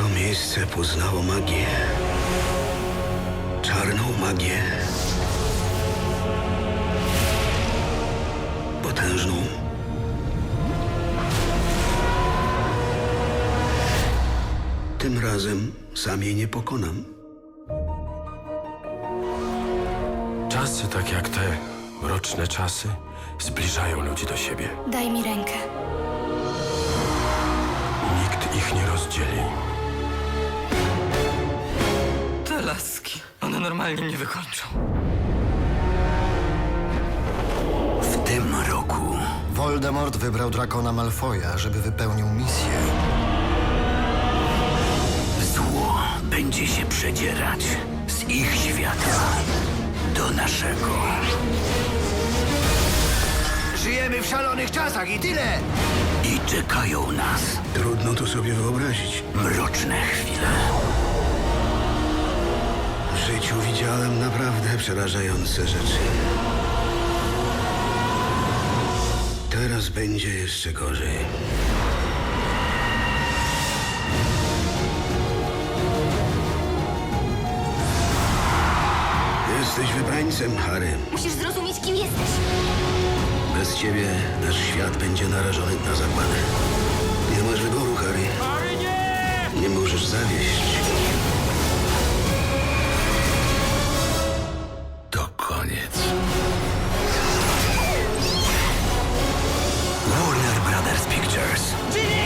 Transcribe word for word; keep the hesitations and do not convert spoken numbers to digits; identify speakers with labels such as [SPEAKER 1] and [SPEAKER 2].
[SPEAKER 1] To miejsce poznało magię. Czarną magię. Potężną. Tym razem sam jej nie pokonam.
[SPEAKER 2] Czasy tak jak te mroczne czasy zbliżają ludzi do siebie.
[SPEAKER 3] Daj mi rękę.
[SPEAKER 2] Nikt ich nie rozdzieli.
[SPEAKER 4] Te laski, one normalnie mnie wykończą.
[SPEAKER 1] W tym roku
[SPEAKER 5] Voldemort wybrał Drakona Malfoja, żeby wypełnił misję.
[SPEAKER 1] zło będzie się przedzierać z ich świata do naszego.
[SPEAKER 5] Żyjemy w szalonych czasach i tyle!
[SPEAKER 1] I czekają nas. Trudno to sobie wyobrazić. Mroczne chwile. W życiu widziałem naprawdę przerażające rzeczy. Teraz będzie jeszcze gorzej. Jesteś wybrańcem, Harry.
[SPEAKER 3] Musisz zrozumieć, kim jesteś.
[SPEAKER 1] Bez ciebie nasz świat będzie narażony na zagładę. Nie masz wyboru, Harry.
[SPEAKER 2] Harry, nie!
[SPEAKER 1] Nie możesz zawieść. To koniec. Warner Brothers Pictures.